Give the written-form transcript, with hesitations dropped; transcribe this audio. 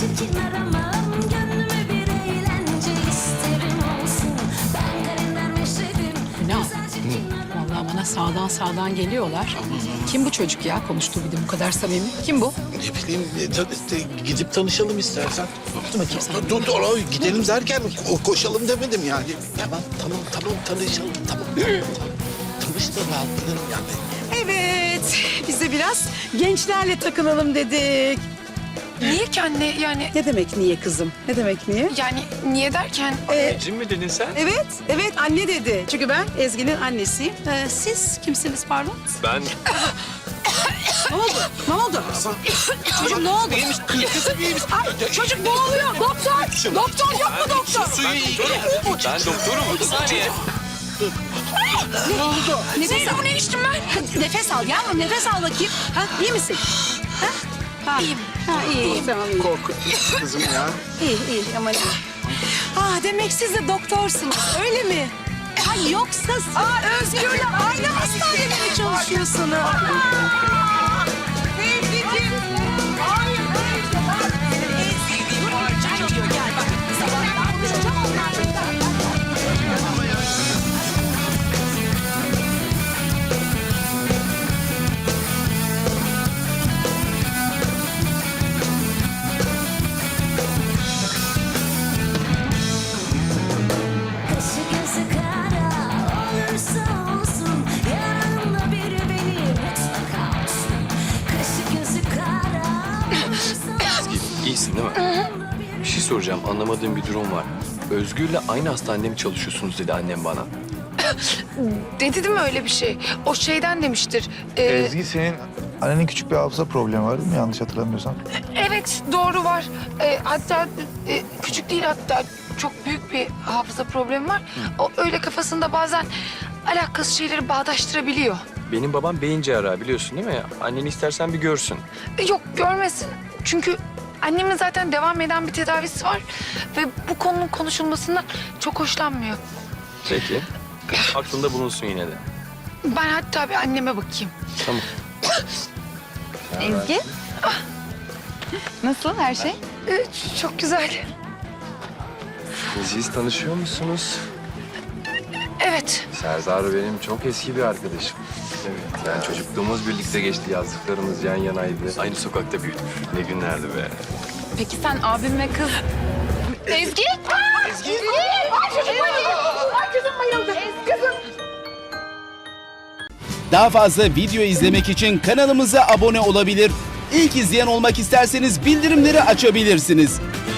çirkin aramam, gönlüme bir eğlence isterim olsun. Ben kalender meşredim. Ünal, vallahi bana sağdan geliyorlar. Kim bu çocuk ya? Konuştuğu bir de bu kadar samimi. Kim bu? Ne bileyim, gidip tanışalım istersen. Dur bakayım sen. Dur, gidelim derken koşalım demedim yani. Tamam, tanışalım, tamam. Tanıştır, rahatladım yani. Evet, biz de biraz gençlerle takılalım dedik. Niye ki anne yani? Ne demek niye kızım? Ne demek niye? Yani niye derken? Anneciğim mi dedin sen? Evet anne dedi. Çünkü ben Ezgi'nin annesiyim. Siz kimsiniz pardon? Ben Ne oldu? Çocuk ne oldu? Kızım iyi misin? Ay, çocuk boğuluyor. Doktor yok mu doktor? Suyu iyi. ben doktorum. Bir saniye. Ne oldu? Nefes al. Ne içtim ben? Nefes al yavrum, nefes al bakayım. Ha, iyi misin? İyiyim. İyi, tamam iyi. Korkutmuş kızım ya. İyi, aman iyi. Demek siz de doktorsunuz, öyle mi? Yoksa siz... Özgür'le aynı hastanede mi çalışıyorsunuz? Sevgilim. Hayır. Gel bak, sabahtan konuşacağım onlarla. Kaşı gözü kara olursa olsun, yanımda biri beni mutlaka olsun. Kaşı gözü kara olursa olsun. İyisin değil mi? Bir şey soracağım. Anlamadığım bir durum var. Özgür'le aynı hastanede mi çalışıyorsunuz dedi annem bana. Dedi değil mi öyle bir şey? O şeyden demiştir. Ezgi, senin annenin küçük bir hafıza problemi var değil mi? Yanlış hatırlamıyorsam. Evet doğru var. Hatta küçük değil, hatta çok büyük bir hafıza problemi var. O öyle kafasında bazen alakasız şeyleri bağdaştırabiliyor. Benim babam beyin cerrahı biliyorsun değil mi? Anneni istersen bir görsün. Yok görmesin. Çünkü annemin zaten devam eden bir tedavisi var. Ve bu konunun konuşulmasından çok hoşlanmıyor. Peki. Aklında bulunsun yine de. Ben hatta bir anneme bakayım. Tamam. Ezgi. Nasıl her şey? Çok güzel. Siz tanışıyor musunuz? Evet. Serdar benim çok eski bir arkadaşım. Evet. Yani çocukluğumuz birlikte geçti. Yazdıklarımız yan yanaydı. Aynı sokakta büyüdük. Ne günlerdi be. Peki sen abim ve kız... Ezgi! Daha fazla video izlemek için kanalımıza abone olabilir. İlk izleyen olmak isterseniz bildirimleri açabilirsiniz.